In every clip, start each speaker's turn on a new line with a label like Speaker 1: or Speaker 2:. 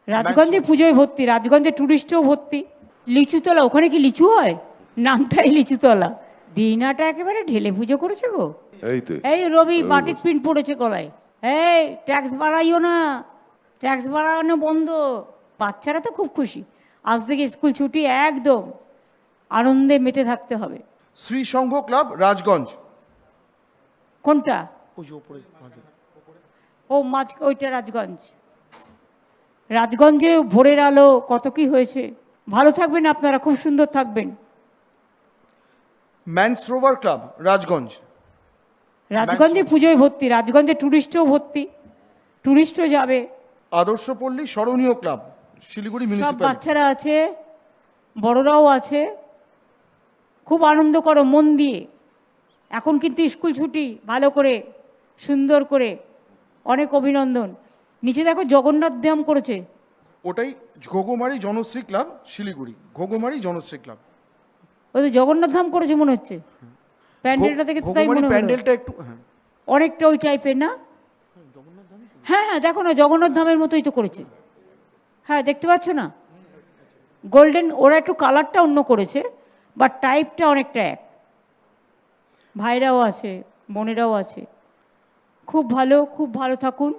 Speaker 1: রাজগঞ্জে পুজোয় ভর্তি, রাজগঞ্জে টুরিস্টও ভর্তি। লিচুতলা, ওখানে কি লিচু হয়? নামটাই লিচুতলা। দিনাটা একেবারে ঢেলে পুজো করেছে গো।
Speaker 2: এই তো
Speaker 1: এই রবি বাটিক প্রিন্ট পড়েছে গলায়। এই ট্যাক্স বাড়াইও না, ট্যাক্স বাড়ানো বন্ধ। বাচ্চারা তো খুব খুশি, আজ থেকে স্কুল ছুটি, একদম আনন্দে মেতে থাকতে হবে।
Speaker 3: শ্রী সংঘ ক্লাব রাজগঞ্জ।
Speaker 1: কোনটা?
Speaker 3: ওই যে ওপরে মাঝে।
Speaker 1: ও মাঝ, ওইটা রাজগঞ্জ। রাজগঞ্জে ভোরের আলো কত কি হয়েছে। ভালো থাকবেন আপনারা, খুব সুন্দর থাকবেন।
Speaker 3: ম্যানসরোভার ক্লাব রাজগঞ্জ।
Speaker 1: রাজগঞ্জে পুজোয় ভর্তি, রাজগঞ্জে টুরিস্টও ভর্তি, টুরিস্টও যাবে।
Speaker 3: আদর্শপল্লী স্মরণীয় ক্লাব শিলিগুড়ি
Speaker 1: সব
Speaker 3: মিউনিসিপ্যালিটি।
Speaker 1: বাচ্চারা আছে, বড়রাও আছে। খুব আনন্দ করো মন দিয়ে। এখন কিন্তু স্কুল ছুটি, ভালো করে সুন্দর করে। অনেক অভিনন্দন। নিচে দেখো জগন্নাথ ধাম করেছে।
Speaker 3: ওটাই ঘোগমারি জনশ্রী ক্লাব শিলিগুড়ি, ঘোগমারি জনশ্রী ক্লাব।
Speaker 1: ওই তো জগন্নাথ ধাম করেছে মনে হচ্ছে, প্যান্ডেলটা থেকে তো তাই
Speaker 3: ঘোগমারি
Speaker 1: মনে হলো।
Speaker 3: প্যান্ডেলটা একটু
Speaker 1: অনেকটা ওই টাইপের না? হ্যাঁ হ্যাঁ, দেখো না, জগন্নাথ ধামের মতোই তো করেছে। হ্যাঁ, দেখতে পাচ্ছ না, গোল্ডেন। ওরা একটু কালারটা অন্য করেছে, বাট টাইপটা অনেকটা এক। ভাইরাও আছে, বোনেরাও আছে। খুব ভালো, খুব ভালো থাকুন।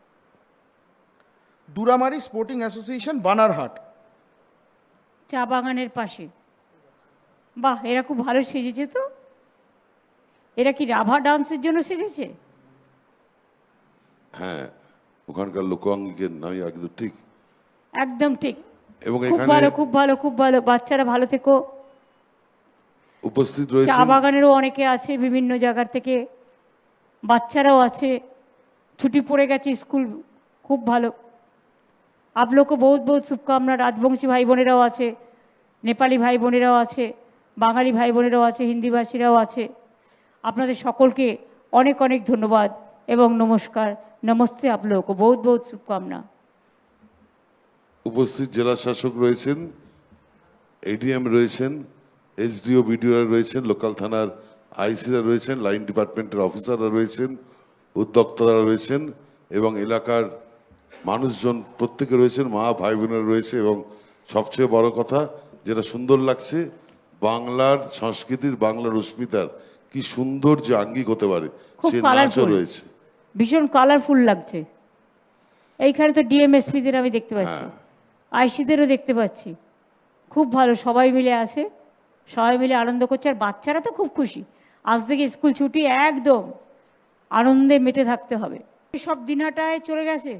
Speaker 3: Duramari sporting association Banarhat.
Speaker 1: চা বাগানের পাশে। বাহ, এরা খুব ভালো সেজেছে তো। এরা কি রাভা ডান্সের জন্য সেজেছে?
Speaker 2: হ্যাঁ, ওখানকার লোকাঙ্গিকের নামই আর কিন্তু ঠিক।
Speaker 1: একদম ঠিক।
Speaker 2: এবং
Speaker 1: খুব
Speaker 2: এখানে
Speaker 1: ভালো, খুব ভালো, খুব ভালো। বাচ্চারা ভালো থেকো।
Speaker 2: উপস্থিত
Speaker 1: চা
Speaker 2: রয়েছে
Speaker 1: বাগানেরও অনেকে আছে, বিভিন্ন জায়গার থেকে বাচ্চারাও আছে। ছুটি পড়ে গেছে স্কুল, খুব ভালো। आप लोग को बहुत बहुत शुभकामना। রাজবংশী ভাই বোনেরাও আছে, নেপালি ভাই বোনেরাও আছে, বাঙালি ভাই বোনেরাও আছে, হিন্দিভাষীরাও আছে। আপনাদের সকলকে অনেক অনেক ধন্যবাদ এবং নমস্কার। নমস্তে। आप लोगों को बहुत बहुत शुभकामना।
Speaker 2: উপস্থিত জেলা শাসক রয়েছেন, এডিএম রয়েছেন, এসডিও বিডিওরা রয়েছেন, লোকাল থানার আইসিরা রয়েছেন, লাইন ডিপার্টমেন্টের অফিসাররা রয়েছেন, উদ্যোক্তারা রয়েছেন এবং এলাকার মানুষজন প্রত্যেকে রয়েছেন, মা ভাই বোনেরা রয়েছে। এবং সবচেয়ে বড় কথা যেটা সুন্দর লাগছে, বাংলার সংস্কৃতির, বাংলার অস্মিতার কি সুন্দর যে আঙ্গিক হতে পারে
Speaker 1: খুব
Speaker 2: সে নাচও
Speaker 1: কালারফুল,
Speaker 2: রয়েছে।
Speaker 1: ভীষণ কালারফুল লাগছে। এইখানে তো ডিএমএসপিদের আমি দেখতে পাচ্ছি, আইসিদেরও দেখতে পাচ্ছি। খুব ভালো, সবাই মিলে আসে, সবাই মিলে আনন্দ করছে। আর বাচ্চারা তো খুব খুশি, আজ থেকে স্কুল ছুটি, একদম আনন্দে মেতে থাকতে হবে। সব দিনাটায় চলে গেছে,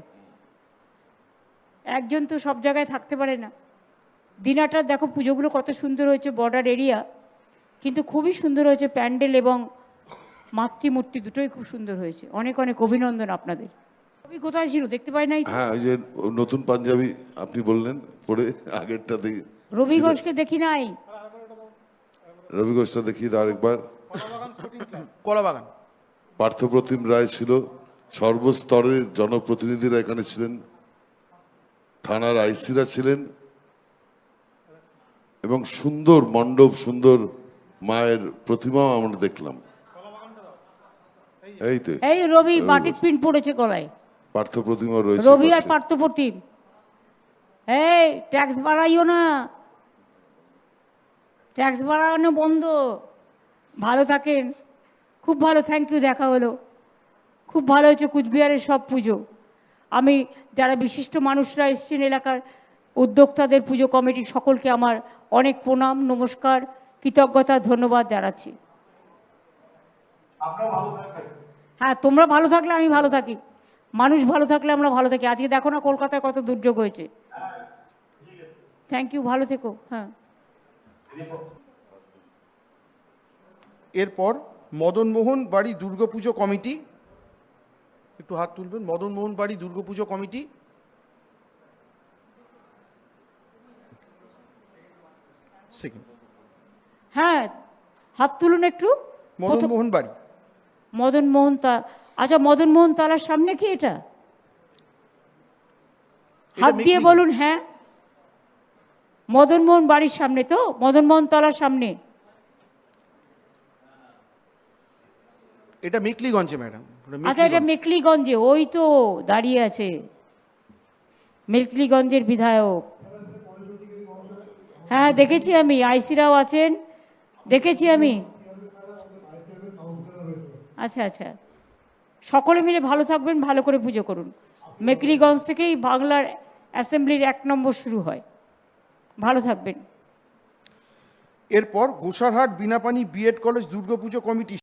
Speaker 1: একজন তো সব জায়গায় থাকতে পারে না। দিনাটা দেখো পুজোগুলো কত সুন্দর হয়েছে, বর্ডার এরিয়া, কিন্তু খুবই সুন্দর হয়েছে প্যান্ডেল এবং মাতৃমূর্তি দুটোই খুব সুন্দর হয়েছে। অনেক অনেক অভিনন্দন আপনাদের। রবি কোথায় ছিল দেখতে পাই নাই তো।
Speaker 2: হ্যাঁ, ওই যে নতুন পাঞ্জাবি আপনি বললেন পরে, আগেরটা দেখি
Speaker 1: রবি ঘোষকে দেখি নাই।
Speaker 2: রবি ঘোষটা দেখি আরেকবার।
Speaker 3: কলাবাগান।
Speaker 2: পার্থপ্রতিম রায় ছিল, সর্বস্তরের জনপ্রতিনিধিরা এখানে ছিলেন, থানার আইসিরা ছিলেন এবং সুন্দর মণ্ডপ, সুন্দর মায়ের প্রতিমাও আমরা দেখলাম। এই তো
Speaker 1: এই রবি বাটিক প্রিন্ট পড়েছে গলায়।
Speaker 2: পার্থ প্রতিমা রয়েছে
Speaker 1: রবি আর
Speaker 2: পাশে।
Speaker 1: পার্থপ্রতিম। এই ট্যাক্স বাড়াইও না, ট্যাক্স বাড়ানো বন্ধ। ভালো থাকেন, খুব ভালো। থ্যাংক ইউ, দেখা হলো, খুব ভালো হয়েছে কুচবিহারের সব পুজো। আমি যারা বিশিষ্ট মানুষরা এসছেন এলাকার, উদ্যোক্তাদের, পুজো কমিটির সকলকে আমার অনেক প্রণাম, নমস্কার, কৃতজ্ঞতা, ধন্যবাদ জানাচ্ছি। হ্যাঁ, তোমরা ভালো থাকলে আমি ভালো থাকি, মানুষ ভালো থাকলে আমরা ভালো থাকি। আজকে দেখো না কলকাতায় কত দুর্যোগ হয়েছে। থ্যাংক ইউ, ভালো থেকো। হ্যাঁ,
Speaker 3: এরপর মদনমোহন বাড়ি দুর্গাপুজো কমিটি, একটু হাত তুলবেন। মদনমোহন বাড়ি দুর্গাপুজো কমিটি। সেকেন্ড।
Speaker 1: হ্যাঁ, হাত তুলুন একটু।
Speaker 3: মদনমোহন বাড়ি।
Speaker 1: মদন মোহন তা, আচ্ছা, মদন মোহন তালার সামনে কি এটা? হাত দিয়ে
Speaker 3: মেকলি।
Speaker 1: বলুন। হ্যাঁ, মদন মোহন বাড়ির সামনে তো, মদন মোহন তলার সামনে।
Speaker 3: এটা মেকলিগঞ্জে ম্যাডাম।
Speaker 1: আচ্ছা, এটা মেকলিগঞ্জে, ওই তো দাঁড়িয়ে আছে। মেকলিগঞ্জের বিধায়ক। হ্যাঁ দেখেছি আমি, আইসিরাও আছেন, দেখেছি আমি। আচ্ছা আচ্ছা, সকলে মিলে ভালো থাকবেন, ভালো করে পুজো করুন। মেকলিগঞ্জ থেকেই বাংলার অ্যাসেম্বলির 1 নম্বর শুরু হয়। ভালো থাকবেন।
Speaker 3: এরপর Gosarhat Binapani BEd college Durga Puja committee